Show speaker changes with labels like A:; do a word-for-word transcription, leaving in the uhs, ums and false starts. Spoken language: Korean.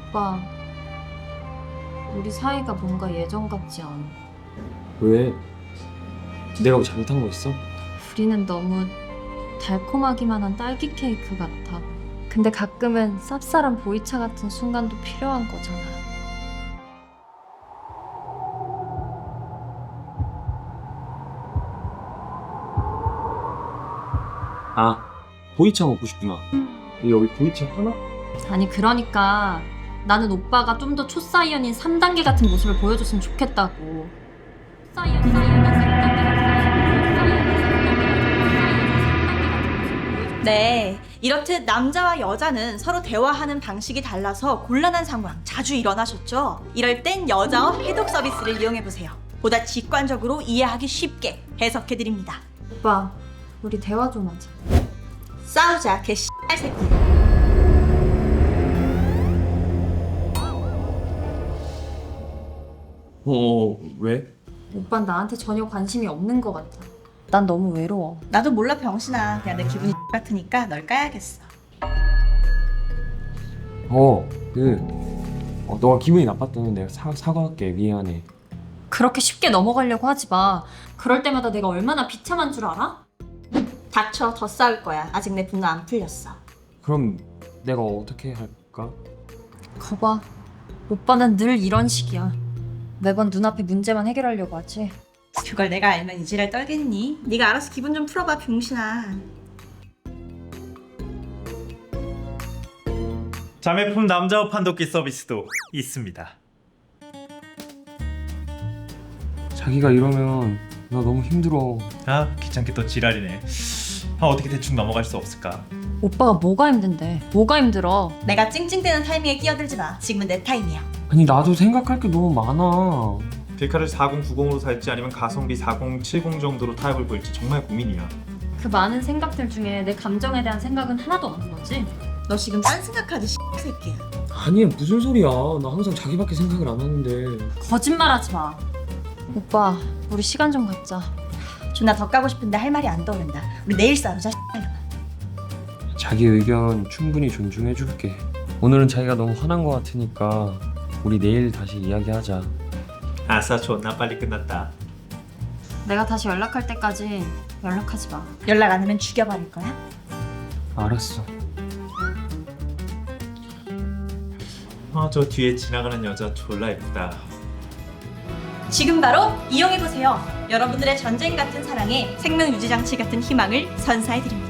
A: 오빠, 우리 사이가 뭔가 예전 같지 않아.
B: 왜? 내가 뭐 잘못한 거 있어?
A: 우리는 너무 달콤하기만 한 딸기 케이크 같아. 근데 가끔은 쌉쌀한 보이차 같은 순간도 필요한 거잖아.
B: 아, 보이차 먹고 싶구나. 여기 보이차 하나?
A: 아니 그러니까 나는 오빠가 좀 더 초사이언인 삼 단계 같은 모습을 보여줬으면 좋겠다고. 사이언, 사이언, 사이언,
C: 네, 이렇듯 남자와 여자는 서로 대화하는 방식이 달라서 곤란한 상황 자주 일어나셨죠? 이럴 땐 여자어 해독 서비스를 이용해보세요. 보다 직관적으로 이해하기 쉽게 해석해드립니다.
A: 오빠, 우리 대화 좀 하자.
C: 싸우자, 개 씨발 새끼.
B: 어, 왜?
A: 오빤 나한테 전혀 관심이 없는 것 같아. 난 너무 외로워.
C: 나도 몰라 병신아. 그냥 내 기분이 같으니까 널 까야겠어.
B: 어, 그, 어, 너가 기분이 나빴다면 내가 사, 사과할게. 미안해.
A: 그렇게 쉽게 넘어가려고 하지 마. 그럴 때마다 내가 얼마나 비참한 줄 알아?
C: 닥쳐, 더 싸울 거야. 아직 내 분노 안 풀렸어.
B: 그럼 내가 어떻게 할까?
A: 거봐. 오빠는 늘 이런 식이야. 매번 눈앞에 문제만 해결하려고 하지.
C: 그걸 내가 알면 이지랄 떨겠니? 네가 알아서 기분 좀 풀어봐, 병신아.
D: 자매품 남자옷 판독기 서비스도 있습니다.
B: 자기가 이러면 나 너무 힘들어.
D: 아, 귀찮게 또 지랄이네. 아, 어떻게 대충 넘어갈 수 없을까?
A: 오빠가 뭐가 힘든데? 뭐가 힘들어?
C: 내가 찡찡대는 타이밍에 끼어들지 마. 지금은 내 타임이야.
B: 아니 나도 생각할 게 너무 많아.
D: 빌카를 사공구공으로 살지 아니면 가성비 사공칠공 정도로 타협을 볼지 정말 고민이야.
A: 그 많은 생각들 중에 내 감정에 대한 생각은 하나도 없는 거지?
C: 너 지금 딴 생각하지, 씨발 새끼야.
B: 아니 무슨 소리야. 나 항상 자기밖에 생각을 안 하는데.
A: 거짓말하지 마. 오빠, 우리 시간 좀 갖자.
C: 존나 더 까고 싶은데 할 말이 안 떠오른다. 우리 내일 싸우자, 씨발로.
B: 자기 의견 충분히 존중해줄게. 오늘은 자기가 너무 화난 것 같으니까 우리 내일 다시 이야기하자.
D: 아싸, 존나 빨리 끝났다.
A: 내가 다시 연락할 때까지 연락하지 마.
C: 연락 안 하면 죽여버릴 거야?
B: 알았어.
D: 아, 저 뒤에 지나가는 여자 졸라 예쁘다.
C: 지금 바로 이용해보세요. 여러분들의 전쟁 같은 사랑에 생명 유지 장치 같은 희망을 선사해드립니다.